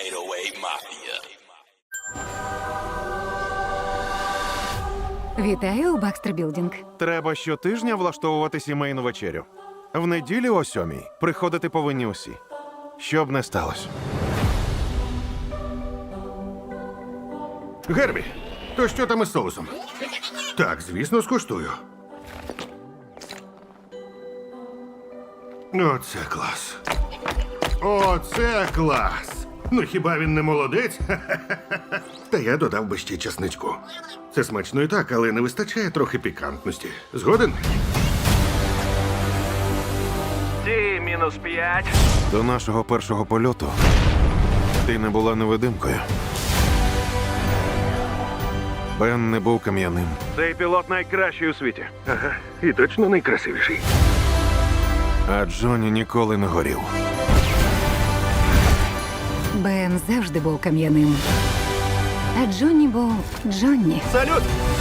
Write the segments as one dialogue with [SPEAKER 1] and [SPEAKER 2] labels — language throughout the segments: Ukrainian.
[SPEAKER 1] 808 Mafia.
[SPEAKER 2] Вітаю у Бакстер Білдінг.
[SPEAKER 3] Треба щотижня влаштовувати сімейну вечерю. В неділю о 7:00 приходити повинні усі. Що б не сталося.
[SPEAKER 4] Гербі, то що там із соусом? Так, звісно, скуштую. Оце клас. Оце клас. Ну хіба він не молодець? Та я додав би ще часничку. Це смачно і так, але не вистачає трохи пікантності. Згоден?
[SPEAKER 5] Ті-5.
[SPEAKER 3] До нашого першого польоту ти не була невидимкою. Бен не був кам'яним.
[SPEAKER 5] Цей пілот найкращий у світі.
[SPEAKER 4] Ага, і точно найкрасивіший.
[SPEAKER 3] А Джонні ніколи не горів.
[SPEAKER 2] Бен завжди був кам'яним. А Джонні був Джонні.
[SPEAKER 5] Салют!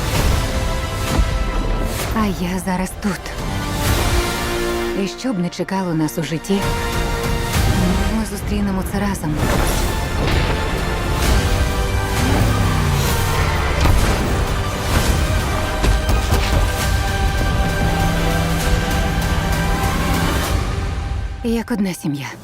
[SPEAKER 2] А я зараз тут. І що б не чекало нас у житті, ми зустрінемо це разом. Як одна сім'я.